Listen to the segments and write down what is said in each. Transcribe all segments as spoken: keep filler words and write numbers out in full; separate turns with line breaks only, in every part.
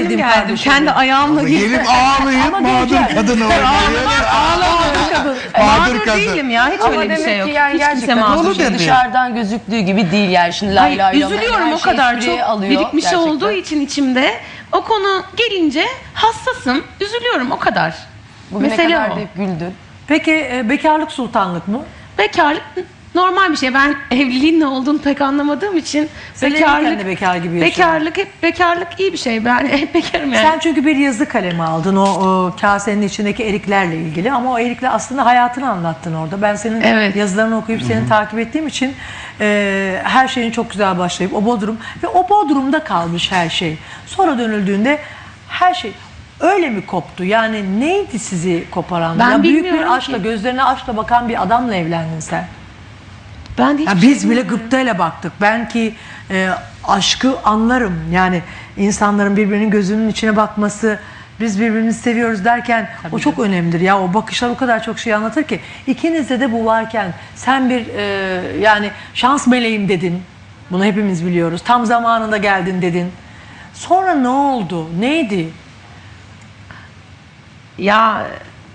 sevdim kardeşim. Kendi ayağımla gittim.
Gelip ağlayıp mağdur kadın olmayı.
Mağdur değilim ya. Hiç öyle bir şey yok.
Yani
Hiç kimse mağdur değil.
Dışarıdan gözüktüğü gibi değil yani. Şimdi lay lay
Hayır, üzülüyorum o kadar çok birikmiş
gerçekten.
olduğu için içimde. O konu gelince hassasım. Üzülüyorum o kadar.
Bugüne
Mesele
kadar
o.
da hep güldün.
Peki e, bekarlık sultanlık mı?
Bekarlık normal bir şey. Ben evliliğin ne olduğunu pek anlamadığım için
Sen evliyken de bekar gibi yaşadın.
bekarlık hep bekarlık iyi bir şey. Ben hep bekarım yani.
Sen çünkü bir yazı kalemi aldın o, o kasenin içindeki eriklerle ilgili ama o erikler aslında hayatını anlattın orada. Ben senin
Evet.
yazılarını okuyup seni takip ettiğim için e, her şeyin çok güzel başlayıp o Bodrum ve o Bodrum'da kalmış her şey. Sonra dönüldüğünde her şey öyle mi koptu? Yani neydi sizi koparan?
Ben
ya büyük bir
bilmiyorum
aşkla,
ki.
gözlerine aşkla bakan bir adamla evlendin sen.
Ben de
Ya
hiçbir
biz
şey
bile
bilmiyorum.
gıptayla baktık. Ben ki e, aşkı anlarım. Yani insanların birbirinin gözünün içine bakması, biz birbirimizi seviyoruz derken o çok önemlidir. Ya o bakışlar o kadar çok şey anlatır ki. İkinizde de bu varken sen bir e, yani şans meleğim dedin. Bunu hepimiz biliyoruz. Tam zamanında geldin dedin. Sonra ne oldu? Neydi?
Ya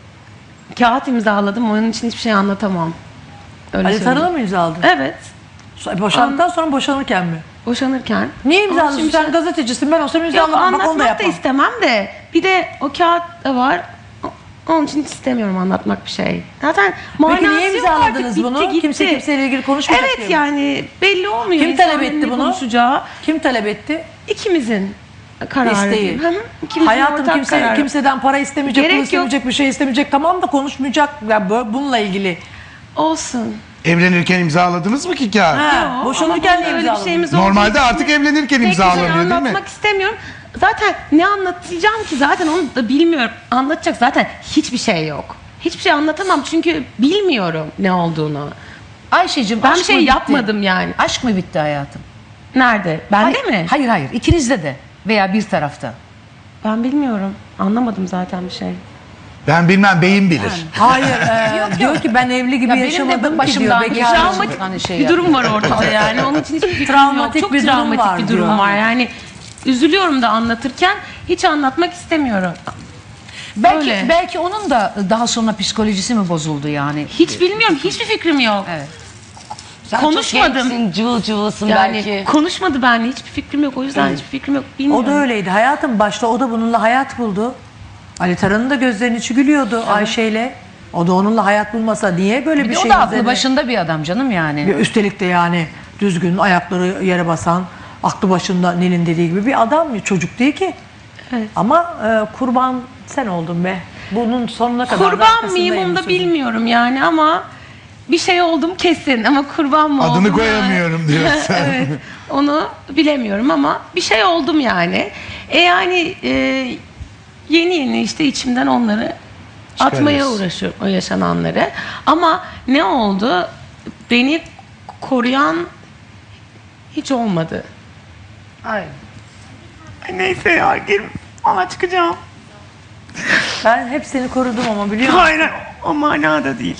kağıt imzaladım. Onun için hiçbir şey anlatamam. Öyle
Ali
söyleyeyim.
Tarıl'a mı imzaladın?
Evet.
So- Boşandıktan sonra boşanırken mi?
Boşanırken.
Niye
Onun
imzaladın?
için bir
Sen
şey-
gazetecisin. Ben olsam
Yok,
imzalamam. Bak onu da
anlatmak da
yapmam.
istemem de bir de o kağıt da var. O- Onun için hiç istemiyorum anlatmak bir şey. Zaten manası
Peki niye
yok
imzaladınız
artık,
bunu?
bitti, gitti.
Kimse kimseyle ilgili konuşmayacak
Evet
diye mi?
yani belli olmuyor.
Kim talep
insanların
etti
ne
bunu?
konuşacağı.
Kim talep etti?
İkimizin kararı.
İsteği.
diyeyim. Hı hı, ikimizin
Hayatım
ortak
kimse
kararı.
kimseden para istemeyecek,
Gerek
pul
yok.
istemeyecek, bir şey istemeyecek. Tamam da konuşmayacak. Ya böyle bununla ilgili.
Olsun.
Evlenirken imzaladınız mı ki kağıt?
Ha,
Yok,
boşanırken
ama
ne
öyle bir
imzaladın?
şeyimiz olduğu
Normalde
için
artık evlenirken
pek bir şey
imzalanıyor değil mi?
anlatmak istemiyorum. Zaten ne anlatacağım ki zaten onu da bilmiyorum. Anlatacak zaten hiçbir şey yok. Hiçbir şey anlatamam çünkü bilmiyorum ne olduğunu.
Ayşe'cim
Ben
aşk
bir şey
mı bitti?
yapmadım yani.
Aşk mı bitti hayatım?
Nerede? Bende
hayır,
mi?
Hayır hayır ikinizde de veya bir tarafta.
Ben bilmiyorum. Anlamadım zaten bir şey.
Ben bilmem, beyin bilir.
Hayır. e, diyor ki ben evli gibi
Ya benim de
yaşamadım ki diyor.
başımdan geçen
Bekar.
Travmatik- hani şey
bir durum var ortada yani. Onun için hiçbir fikrim
Travmatik
yok. Çok
bir durum
travmatik
var
bir durum
diyor.
var. Yani üzülüyorum da anlatırken hiç anlatmak istemiyorum.
Belki
Öyle.
belki onun da daha sonra psikolojisi mi bozuldu yani?
Hiç bilmiyorum. Hiçbir fikrim yok.
Evet.
Sen
Konuşmadım.
çok gençsin, cıvıl cıvılsın
Yani
belki.
konuşmadı benimle. Hiçbir fikrim yok. O yüzden hiçbir fikrim yok. Bilmiyorum.
O da öyleydi. Hayatım başta o da bununla hayat buldu. Ali Tarhan'ın da gözlerinin içi gülüyordu Ayşe'yle. O da onunla hayat bulmasa niye böyle
Bir
bir
de
şey
o da aklı
üzerine-
başında bir adam canım yani.
Ve üstelik de yani düzgün, ayakları yere basan, aklı başında Nil'in dediği gibi bir adam, çocuk değil ki.
Evet.
Ama e, kurban sen oldun be. Bunun sonuna kadar da
Kurban
arkasındayım
mıyım onu da
sözün.
bilmiyorum yani ama bir şey oldum kesin ama kurban mı oldum?
Adını
yani?
koyamıyorum diyorsun.
Evet, onu bilemiyorum ama bir şey oldum yani. E yani e, yeni yeni işte içimden onları atmaya
Çıkarıyorsun.
uğraşıyorum, o yaşananları. Ama ne oldu? Beni koruyan hiç olmadı.
Ay.
Neyse ya, gir. Ama çıkacağım.
Ben hep seni korudum ama biliyor musun?
Hayır, o manada değil.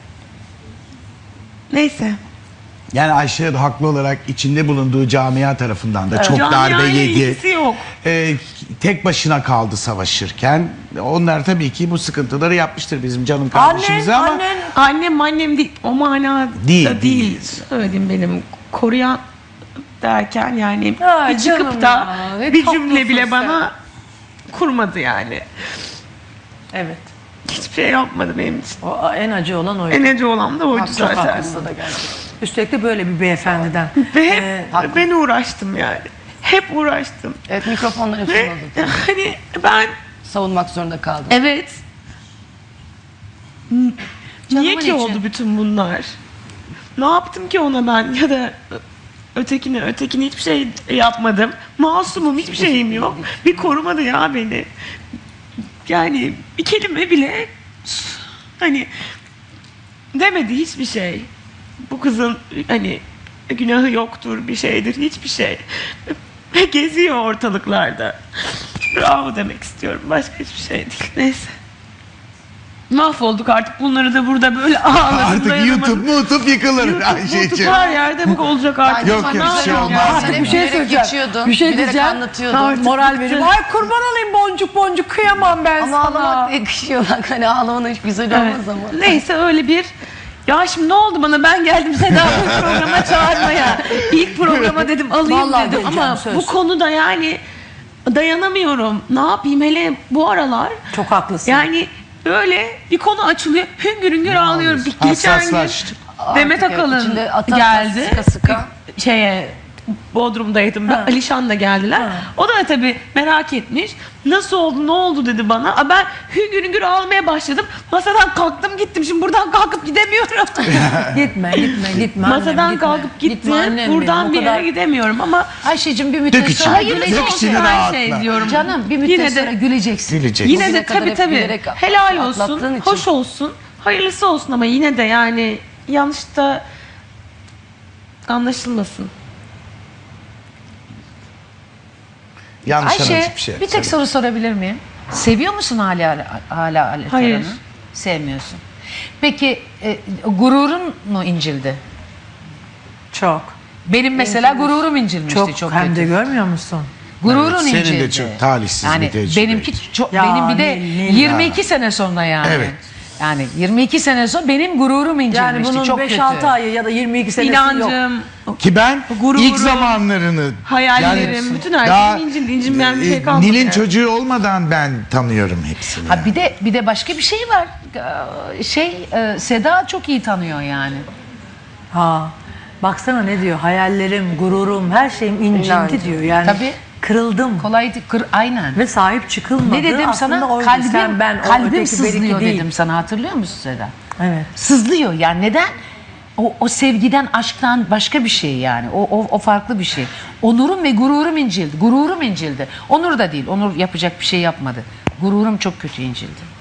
Neyse.
Yani Ayşe haklı olarak içinde bulunduğu camia tarafından da çok darbe
Camiayla
yedi.
ilgisi yok.
Ee, tek başına kaldı savaşırken. Onlar tabii ki bu sıkıntıları yapmıştır bizim canım kardeşimize
Annen,
ama
annen.
Annem annem değil. O manada
Değil,
değil.
değil.
Söylediğim benim koruyan derken yani
Ay
bir çıkıp
canım
da
ya, ne
bir
tatlısın
cümle bile
sen.
bana kurmadı yani.
Evet.
Hiçbir şey yapmadı benim için.
O, en acı olan oydu.
En acı olan da oydu
Çok
zaten.
haklısın. Üstelik de böyle bir beyefendiden.
Ve hep
Ee,
ben uğraştım yani. Hep uğraştım.
Evet, mikrofonlar hep
Ve
oldu.
hani ben
Savunmak zorunda kaldım.
evet. Niye
Canımın
ki
içi.
oldu bütün bunlar? Ne yaptım ki ona ben ya da ötekine ötekine hiçbir şey yapmadım. Masumum, hiçbir şeyim yok. Bir korumadı ya beni. Yani bir kelime bile hani demedi hiçbir şey. Bu kızın hani günahı yoktur, bir şeydir, hiçbir şey. Ve geziyor ortalıklarda. Bravo demek istiyorum. Başka hiçbir şey değil. Neyse. mahvolduk artık. Bunları da burada böyle ağladım.
Artık
dayanamadım.
YouTube YouTube yıkılır
YouTube,
Ayşe'ciğim.
YouTube her yerde bu olacak artık.
Yok,
Ama
yok,
güzel
bir şey
oldu.
olmaz.
Sen
Artık
hep
bir şey
bilerek
söyleyeceğim.
geçiyordun.
Bir şey
bilerek
diyeceğim.
anlatıyordun.
Artık
Moral
bitti.
vereyim. Ay kurban olayım boncuk boncuk kıyamam ben
Ama
sana.
ağlamak da yakışıyor. Bak hani ağlaman hiç güzel
Evet.
olmaz ama.
Neyse öyle bir... Ya şimdi ne oldu bana? Ben geldim Seda'yı programa çağırmaya. İlk programa dedim alayım
Vallahi
dedim
geleceğim,
ama
söz.
bu konuda yani dayanamıyorum. Ne yapayım hele bu aralar?
Çok haklısın.
Yani böyle bir konu açılıyor. Hüngür hüngür ağlıyorum. Bir geçen gün
Hassaslaştım.
Demet
Artık evet,
Akalın
içinde ata ata,
geldi.
sıka sıka.
Şeye Bodrum'daydım ben.
Ha.
Alişan da geldiler.
Ha.
O da tabii merak etmiş. Nasıl oldu, ne oldu dedi bana. Aa, ben hüngür hüngür ağlamaya başladım. Masadan kalktım gittim. Şimdi buradan kalkıp gidemiyorum.
Gitme gitme gitme annem,
Masadan
gitme.
kalkıp
Gitme
gittim.
annem benim,
Buradan
o
bir
kadar-
yere gidemiyorum ama
Ayşe'cim bir müddet
Dök içine,
sonra
dök
güleceksin.
içine
her
rahatla.
şey diyorum.
Canım bir müddet
Yine de-
sonra güleceksin.
Gülecek.
yine
Bugüne
de
kadar
tabii
hep
tabii
bilerek
helal
atlattığın
olsun,
için.
hoş olsun, hayırlısı olsun ama yine de yani yanlış da anlaşılmasın.
Yanlış
Ayşe
anlaşılmış bir şey.
bir tek soru sorabilir miyim? Seviyor musun hala hala Alet
Hayır.
Aran'ı? Sevmiyorsun. Peki e, gururun mu incildi?
Çok.
Benim mesela gururum incilmişti
Çok,
çok,
hem
kötü.
de görmüyor musun?
Gururun
Evet, senin
incildi.
de çok talihsiz
yani
bir tecrübeydi.
benimki çok
Ya,
benim bir de
Nil, Nil
yirmi iki sene sonra yani.
Evet.
Yani yirmi iki sene sonra benim gururum incilmişti
Yani bunun
çok
beş
kötü.
altı ayı ya da yirmi iki senesi yok.
İnancım,
Ki ben
Gururum,
ilk zamanlarını
hayallerim, bütün her
daha,
şeyin incildi. İncinmeyen bir şey
e,
kalmadı.
Nil'in
yani.
çocuğu olmadan ben tanıyorum hepsini.
Ha
yani.
bir de bir de başka bir şey var. Ee, Şey e, Seda çok iyi tanıyor yani.
Ha. Baksana ne diyor? Hayallerim, gururum, her şeyim incindi
İnancım.
diyor. Yani
Tabii.
kırıldım.
Kolay değil, kır, aynen.
Ve sahip çıkılmadı.
Ne dedim
Aslında
sana?
oydu.
Kalbim,
Sen, ben, o,
kalbim
öteki, beriki
sızlıyor
değil.
dedim sana, hatırlıyor musun Seda?
Evet.
Sızlıyor yani neden? O, o sevgiden, aşktan başka bir şey yani. O, o, o farklı bir şey. Onurum ve gururum incildi. Gururum incildi. Onur da değil. Onur yapacak bir şey yapmadı. Gururum çok kötü incildi.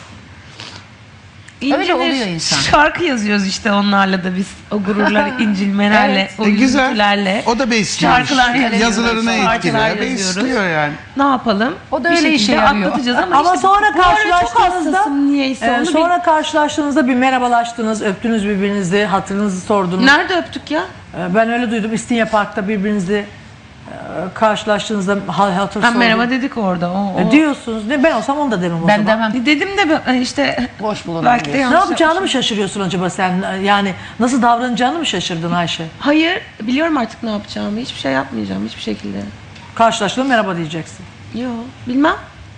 İncilir.
Öyle oluyor insan.
Şarkı yazıyoruz işte onlarla da biz. O gururlar, incilmelerle,
Evet.
o
E, güzel.
üzüntülerle.
O da besliyor.
Şarkılar yazıyoruz,
Yazılarına
şarkılar
etkiliyor.
yazıyoruz.
Besliyor yani.
Ne yapalım?
O da
Bir
öyle işe
şekilde
yarıyor.
atlatacağız ama,
Ama
işte
sonra
bu ara çok
karşılaştığınızda
hassasım niyeyse.
e,
onu
sonra karşılaştığınızda bir merhabalaştınız, öptünüz birbirinizi, hatırınızı
bil-
sordunuz.
Nerede öptük ya?
E, Ben öyle duydum. İstinye Park'ta birbirinizi e, karşılaştığınızda hal hatır
Ha,
sordunuz.
merhaba dedik orada. O, o.
E, diyorsunuz. Ne, ben olsam onu da demem o
Ben
zaman.
demem.
Dedim de ben- işte
Boş bulunan
belki de
diyorsun.
Ne
yanlış
yapacağını
yapmışım.
mı şaşırıyorsun acaba sen? Yani nasıl davranacağını mı şaşırdın Ayşe?
Hayır, biliyorum artık ne yapacağımı. Hiçbir şey yapmayacağım hiçbir şekilde.
Karşılaştığında merhaba diyeceksin.
Yok, bilmem.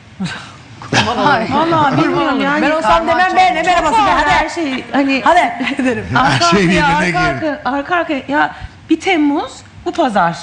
Hayır.
Vallahi bilmiyorum yani.
Ben olsam demem be ne merhabası be
Hadi her
hadi.
şey hani
Hadi derim.
arka
Her şey
arkaya,
birbirine
arka,
gir.
arka, arka arkaya. Ya bir Temmuz bu pazar.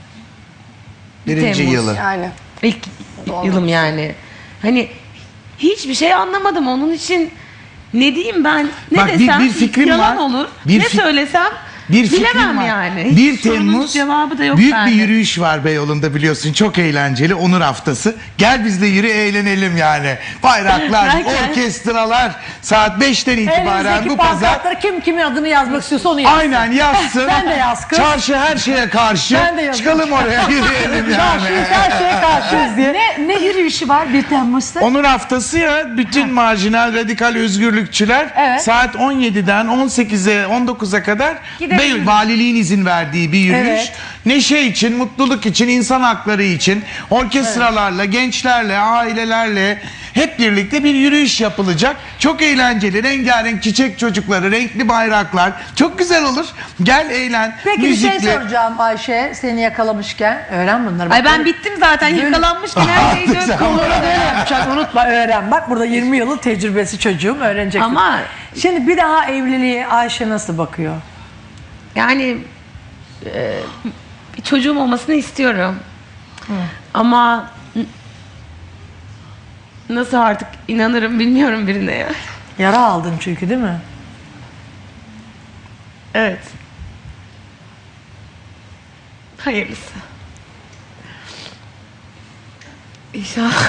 Birinci
Temmuz.
yılı.
Yani.
İlk yılım yani. Hani hiçbir şey anlamadım onun için. Ne diyeyim ben? Ne
Bak, bir-
desem
bir fikrim
yalan
var.
olur.
Bir
ne
fi-
söylesem
Bir fikrim
bilemem
var.
yani. Hiç
bir
sorunun
Temmuz
cevabı da yok
büyük
bende.
bir yürüyüş var Beyoğlu'nda biliyorsun. Çok eğlenceli. Onur Haftası. Gel bizle yürü eğlenelim yani. Bayraklar,
Derken-
orkestralar saat beşten itibaren
Elinizdeki
bu pazar.
pankartlara kim kimin adını yazmak istiyorsa onu yazsın.
Aynen yazsın.
Sen de yaz kız.
Çarşı her şeye karşı.
Ben de yazayım.
Çıkalım oraya yürüyelim yani.
Çarşıyız her şeye karşıyız diye.
Ne, ne yürüyüşü var bir Temmuz'da?
Onur Haftası ya bütün marjinal radikal özgürlükçüler
Evet.
saat on yediden on sekize on dokuza kadar
Gidelim.
Bey, valiliğin izin verdiği bir yürüyüş.
Evet.
Neşe için, mutluluk için, insan hakları için orkestralarla, gençlerle, ailelerle hep birlikte bir yürüyüş yapılacak. Çok eğlenceli, rengarenk çiçek çocukları, renkli bayraklar. Çok güzel olur. Gel eğlen.
Peki bir
müzikle.
şey soracağım Ayşe seni yakalamışken. Öğren bunları.
Ay
Bak,
ben bittim zaten yakalanmışken her şeyi
Artık sen-
dök.
Konuları böyle yapacaksın unutma öğren. Bak burada yirmi yılın tecrübesi çocuğum öğrenecek.
Ama
Şimdi bir daha evliliğe Ayşe nasıl bakıyor?
yani e, bir çocuğum olmasını istiyorum. Ama n- nasıl artık inanırım bilmiyorum birine ya.
Yara aldın çünkü değil mi?
Evet. Hayırlısı. İnşallah.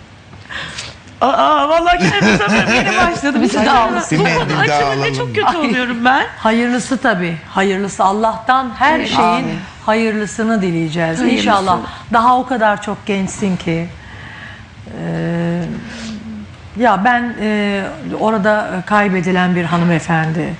Aa vallahi kendimi sanırım yeni başladı. Bir
de ağlasın.
Bu
Bir
konu
daha
açılınca
alalım.
çok kötü oluyorum ben.
Hayırlısı tabii. Hayırlısı. Allah'tan her şeyin
Amin.
hayırlısını dileyeceğiz.
Hayırlısı.
İnşallah. Daha o kadar çok gençsin ki. Ee, Ya ben e, orada kaybedilen bir hanımefendi,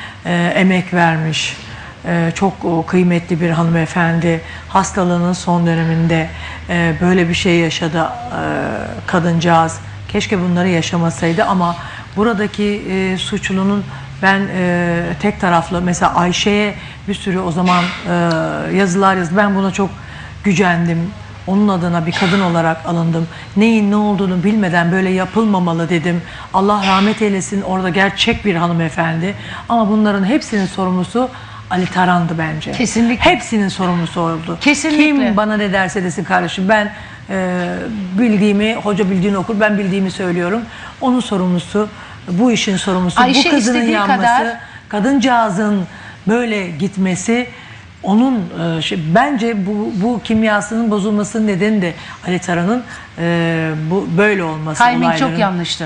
e, emek vermiş, e, çok o, kıymetli bir hanımefendi, hastalığının son döneminde e, böyle bir şey yaşadı e, kadıncağız. Keşke bunları yaşamasaydı ama buradaki e, suçlunun ben e, tek taraflı, mesela Ayşe'ye bir sürü o zaman e, yazılar yazdı. Ben buna çok gücendim. Onun adına bir kadın olarak alındım. Neyin ne olduğunu bilmeden böyle yapılmamalı dedim. Allah rahmet eylesin, orada gerçek bir hanımefendi. Ama bunların hepsinin sorumlusu Ali Taran'dı bence.
Kesinlikle.
Hepsinin sorumlusu oldu.
Kesinlikle.
Kim bana ne derse desin kardeşim, ben e, bildiğimi, hoca bildiğini okur, ben bildiğimi söylüyorum. Onun sorumlusu, bu işin sorumlusu,
Ayşe
bu kızının
istediği
yanması,
kadar-
kadıncağızın böyle gitmesi, onun e, şey, bence bu, bu kimyasının bozulmasının nedeni de Ali Taran'ın e, bu böyle olması.
Timing
olayların.
çok yanlıştı.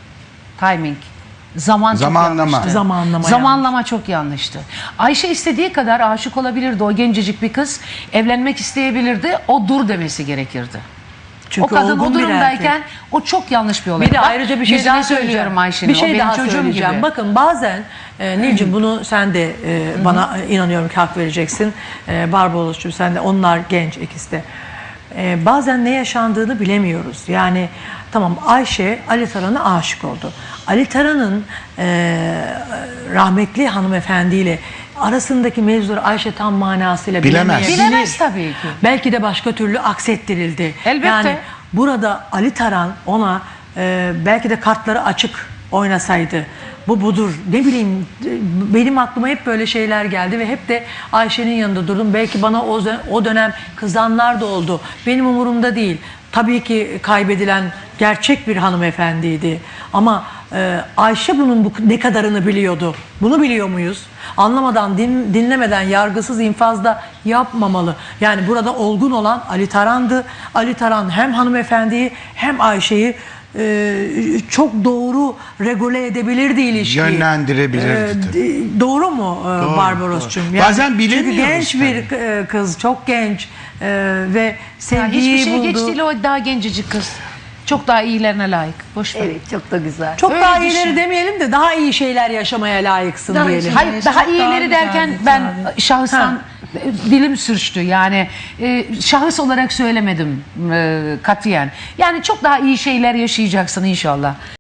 Timing. Zaman çok
Zamanlama.
yanlıştı.
Zamanlama
Zamanlama çok yanlıştı. Ayşe istediği kadar aşık olabilirdi. O gencecik bir kız evlenmek isteyebilirdi. O dur demesi gerekirdi.
Çünkü
o kadın
olgun
o
bir
durumdayken
erkek.
o çok yanlış bir olay.
Bir de
Bak,
ayrıca bir şey
yüzüne
daha
söylüyorum
söyleyeceğim.
Ayşe'nin.
Bir şey
o benim
daha
çocuğum
söyleyeceğim.
gibi.
Bakın bazen e, Nilcim bunu sen de e, bana inanıyorum ki hak vereceksin. E, Barbaros'cum sen de, onlar genç ikisi de. E, bazen ne yaşandığını bilemiyoruz. Yani tamam, Ayşe Ali Taran'a aşık oldu. Ali Taran'ın e, rahmetli hanımefendiyle arasındaki mevzuları Ayşe tam manasıyla
Bilemez.
bilemeyebilir.
Bilemez tabii ki.
Belki de başka türlü aksettirildi.
Elbette.
Yani burada Ali Taran ona e, belki de kartları açık oynasaydı, bu budur, ne bileyim, e, benim aklıma hep böyle şeyler geldi ve hep de Ayşe'nin yanında durdum. Belki bana o, o dönem kızanlar da oldu. Benim umurumda değil. Tabii ki kaybedilen gerçek bir hanımefendiydi. Ama e, Ayşe bunun bu, ne kadarını biliyordu? Bunu biliyor muyuz? Anlamadan, din, dinlemeden, yargısız infazda yapmamalı. Yani burada olgun olan Ali Taran'dı. Ali Taran hem hanımefendiyi hem Ayşe'yi e, çok doğru regüle edebilirdi ilişkiyi.
Yönlendirebilirdi.
E, d- doğru mu e, Barbaros'cum?
doğru. Bazen bilemiyoruz
Çünkü genç bir
tabii.
e, kız, çok genç e, ve
Ya
sevgiyi
hiçbir şey
buldu.
geç değil, o daha gencecik kız. Çok daha iyilerine layık. Boş ver.
Evet, çok da güzel.
Çok
Öyle
daha
düşün.
iyileri demeyelim de daha iyi şeyler yaşamaya layıksın
Daha iyi
diyelim.
şeyler.
Hayır, daha
Çok
iyileri
daha
derken
güzeldi
ben
tabii.
şahsen dilim sürçtü. Yani e, şahıs olarak söylemedim e, katiyen. Yani çok daha iyi şeyler yaşayacaksın inşallah.